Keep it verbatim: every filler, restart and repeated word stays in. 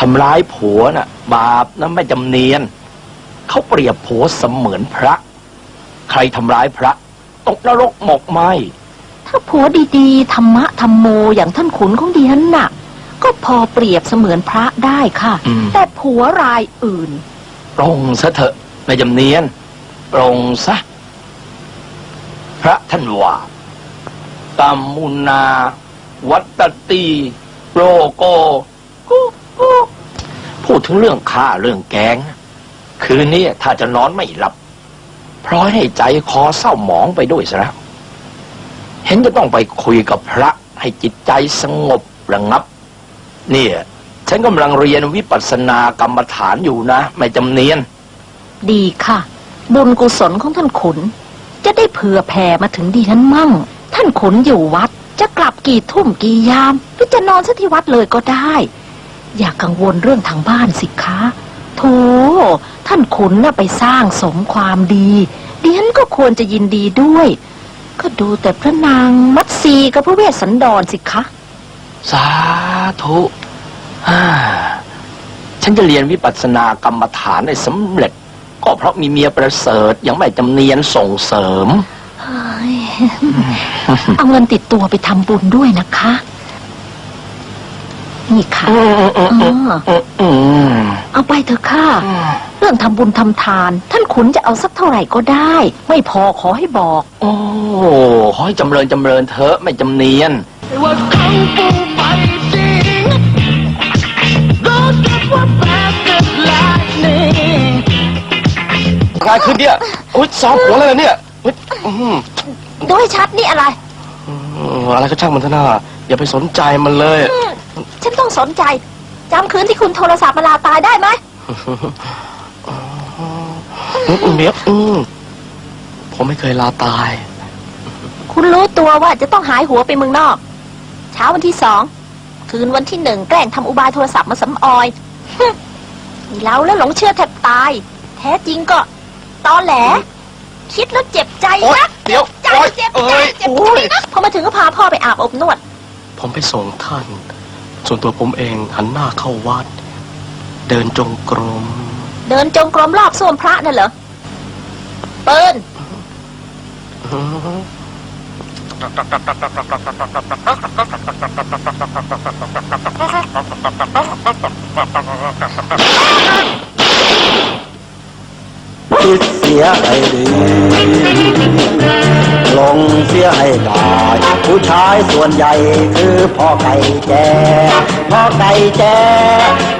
ำร้ายผัวน่ะบาปนะแม่จำเนียนเขาเปรียบผัวเสมือนพระใครทำร้ายพระตกนรกหมกไหมถ้าผัวดีๆธรรมะธรรมโมอย่างท่านขุนของดิฉันน่ะก็พอเปรียบเสมือนพระได้ค่ะแต่ผัวรายอื่นปรงซะเถอะแม่จำเนียนปรงซะพระท่านว่ากัมมุนาวัตติโรโกกุกุพูดถึงเรื่องฆ่าเรื่องแกงคืนนี้ถ้าจะนอนไม่หลับเพราะให้ใจคอเศร้าหมองไปด้วยซะแล้วเห็นจะต้องไปคุยกับพระให้จิตใจสงบระงับเนี่ยฉันกำลังเรียนวิปัสสนากรรมฐานอยู่นะไม่จำเนียนดีค่ะบุญกุศลของท่านขุนจะได้เผื่อแผ่มาถึงดิฉันมั่งท่านขุนอยู่วัดจะกลับกี่ทุ่มกี่ยามหรือจะนอนซะที่วัดเลยก็ได้อย่ากังวลเรื่องทางบ้านสิคะโธ่ท่านขุนน่ะไปสร้างสมความดีดิฉันก็ควรจะยินดีด้วยก็ดูแต่พระนางมัตสีกับพระเวสสันดรสิคะสาธุฉันจะเรียนวิปัสสนากรรมฐานได้สำเร็จก็เพราะมีเมียประเสริฐยังไม่จำเนียนส่งเสริมเอาเงินติดตัวไปทำบุญด้วยนะคะนี่ค่ะเอาไปเถอะค่ะเรื่องทำบุญทำทานท่านขุนจะเอาสักเท่าไหร่ก็ได้ไม่พอขอให้บอกโอ้ขอให้จำเริญจำเริญเถอะไม่จำเนียนว่าเขาปูไปจริงรู้สึกว่าแบบเกิดลายนี่อะไรขึ้นเนี่ยอุ้ยซ้อมหัวเลยเนี่ยดูให้ชัดนี่อะไรอะไรก็ช่างมันเถอะนะอย่าไปสนใจมันเลยฉันต้องสนใจจำคืนที่คุณโทรศัพท์มาลาตายได้ไหมเมียผมไม่เคยลาตายคุณรู้ตัวว่าจะต้องหายหัวไปเมืองนอกเช้าวันที่สองคืนวันที่หนึ่งแกล้งทำอุบายโทรศัพท์มาสำออยนี่เราแล้วหลงเชื่อแทบตายแท้จริงก็ตอแหลคิดแล้วเจ็บใจนะเดี๋ยวใจเจ็บใจเจ็บใจนะพอมาถึงก็พาพ่อไปอาบอบนวดผมไปส่งท่านส่วนตัวผมเองหันหน้าเข้าวัดเดินจงกรมเดินจงกรมรอบส้วมพระนั่นเหรอเปิ้ลคิดเสียให้ดีลงเสียให้ได้ผู้ชายส่วนใหญ่คือพ่อไก่แจ้พ่อไก่แจ้